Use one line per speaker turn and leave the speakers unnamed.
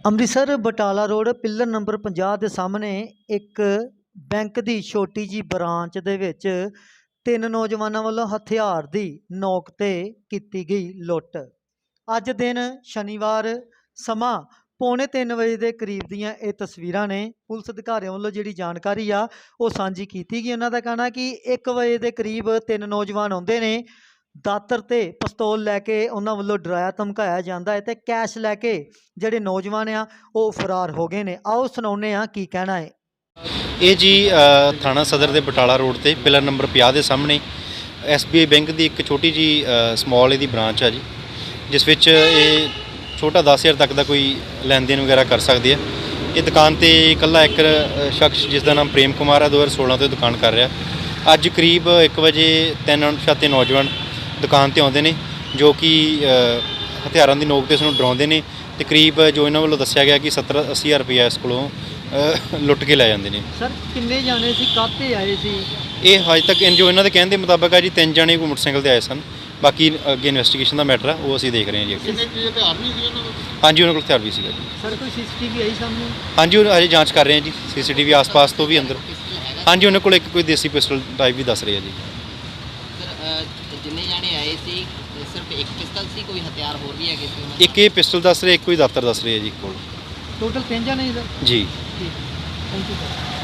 Amritsar Batala road pillar number 50 ਦੇ ਸਾਹਮਣੇ ਇੱਕ ਬੈਂਕ ਦੀ ਛੋਟੀ ਜੀ ਬ੍ਰਾਂਚ ਦੇ ਵਿੱਚ ਤਿੰਨ ਨੌਜਵਾਨਾਂ ਵੱਲੋਂ ਹਥਿਆਰ ਦੀ ਨੋਕ ਤੇ ਕੀਤੀ ਗਈ ਲੁੱਟ। ਅੱਜ ਦਿਨ ਸ਼ਨੀਵਾਰ ਸਮਾਂ ਪੌਣੇ 3 ਵਜੇ ਦੇ ਕਰੀਬ ਦੀਆਂ ਇਹ ਤਸਵੀਰਾਂ ਨੇ। ਪੁਲਿਸ ਅਧਿਕਾਰੀਆਂ ਵੱਲੋਂ ਜਿਹੜੀ ਜਾਣਕਾਰੀ ਆ ਉਹ ਸਾਂਝੀ ਕੀਤੀ ਗਈ। ਉਹਨਾਂ ਦਾ ਕਹਿਣਾ ਕਿ 1 ਵਜੇ ਦੇ ਕਰੀਬ ਤਿੰਨ ਨੌਜਵਾਨ ਆਉਂਦੇ ਨੇ, ਦਾਤਰ ਤੇ ਪਿਸਤੌਲ ਲੈ ਕੇ ਉਹਨਾਂ ਵੱਲੋਂ ਡਰਾਇਆ ਧਮਕਾਇਆ ਜਾਂਦਾ ਹੈ ਤੇ ਕੈਸ਼ ਲੈ ਕੇ ਜਿਹੜੇ ਨੌਜਵਾਨ ਆ ਉਹ ਫਰਾਰ ਹੋ ਗਏ ਨੇ। ਆਓ ਸੁਣਾਉਂਦੇ ਆ ਕੀ ਕਹਿਣਾ ਹੈ।
ਇਹ ਜੀ ਥਾਣਾ ਸਦਰ ਦੇ ਬਟਾਲਾ ਰੋਡ ਤੇ ਪਿਲਰ ਨੰਬਰ 50 ਦੇ ਸਾਹਮਣੇ SBI ਬੈਂਕ ਦੀ ਇੱਕ ਛੋਟੀ ਜੀ ਸਮਾਲ ਇਹਦੀ ਬ੍ਰਾਂਚ ਆ ਜੀ, ਜਿਸ ਵਿੱਚ ਇਹ ਛੋਟਾ 10,000 ਤੱਕ ਦਾ ਕੋਈ ਲੈਣ ਦੇਣ ਵਗੈਰਾ ਕਰ ਸਕਦੇ ਆ। ਇਹ ਦੁਕਾਨ ਤੇ ਇਕੱਲਾ ਇੱਕ ਸ਼ਖਸ ਜਿਸ ਦਾ ਨਾਮ ਪ੍ਰੇਮ ਕੁਮਾਰ ਹੈ 2016 ਤੋਂ ਦੁਕਾਨ ਕਰ ਰਿਹਾ। ਅੱਜ ਕਰੀਬ 1 ਵਜੇ ਤਿੰਨ ਅਣਪਛਾਤੇ ਨੌਜਵਾਨ ਦੁਕਾਨ ਤੇ ਆਉਂਦੇ ਨੇ, ਜੋ ਕਿ ਹਥਿਆਰਾਂ ਦੀ ਨੋਕ ਤੇ ਉਸਨੂੰ ਡਰਾਉਂਦੇ ਨੇ ਤੇ ਕਰੀਬ ਜੋ ਇਹਨਾਂ ਵੱਲੋਂ ਦੱਸਿਆ ਗਿਆ ਕਿ 70-80 ਹਜ਼ਾਰ ਰੁਪਇਆ ਇਸ ਕੋਲੋਂ ਲੁੱਟ ਕੇ ਲੈ ਜਾਂਦੇ ਨੇ।
ਸਰ ਕਿੰਨੇ ਜਾਣੇ ਸੀ, ਕਾਹਤੇ ਆਏ ਸੀ?
ਇਹ ਹਜੇ ਤੱਕ ਜੋ ਇਹਨਾਂ ਦੇ ਕਹਿਣ ਦੇ ਮੁਤਾਬਕ ਆ ਜੀ 3 ਜਾਣੇ ਕੋਈ ਮੋਟਰਸਾਈਕਲ ਤੇ ਆਏ ਸਨ। ਬਾਕੀ ਅੱਗੇ ਇਨਵੈਸਟੀਗੇਸ਼ਨ ਦਾ ਮੈਟਰ ਆ, ਉਹ ਅਸੀਂ ਦੇਖ ਰਹੇ ਹਾਂ ਜੀ ਅੱਗੇ। ਹਾਂਜੀ, ਉਹਨਾਂ ਕੋਲ ਹਥਿਆਰ ਵੀ ਸੀਗਾ ਜੀ।
ਸਰ ਕੋਈ CCTV ਆਈ ਸਾਹਮਣੇ?
ਹਾਂਜੀ, ਉਹ ਹਜੇ ਜਾਂਚ ਕਰ ਰਹੇ ਹਾਂ ਜੀ, CCTV ਆਸ-ਪਾਸ ਤੋਂ ਵੀ ਅੰਦਰ। ਹਾਂਜੀ, ਉਹਨਾਂ ਕੋਲ ਇੱਕ ਕੋਈ ਦੇਸੀ ਪਿਸਟਲ ਟਾਈਪ ਵੀ ਦੱਸ ਰਹੇ ਆ ਜੀ।
ਸਰ ਜਿੰਨੇ ਜਾਣੇ ਆਏ ਸੀ ਸਿਰਫ ਇੱਕ ਪਿਸਟਲ ਸੀ, ਕੋਈ ਹਥਿਆਰ ਹੋਰ ਵੀ ਹੈਗੇ ਸੀ?
ਇੱਕ ਇਹ ਪਿਸਟਲ ਦੱਸ ਰਹੇ, ਇੱਕ ਕੋਈ ਦਾਤਰ ਦੱਸ ਰਹੇ ਆ ਜੀ ਕੋਲ।
ਟੋਟਲ 3 ਜਾਣੇ ਸਰ?
ਜੀ।
ਠੀਕ, ਥੈਂਕ ਯੂ ਸਰ।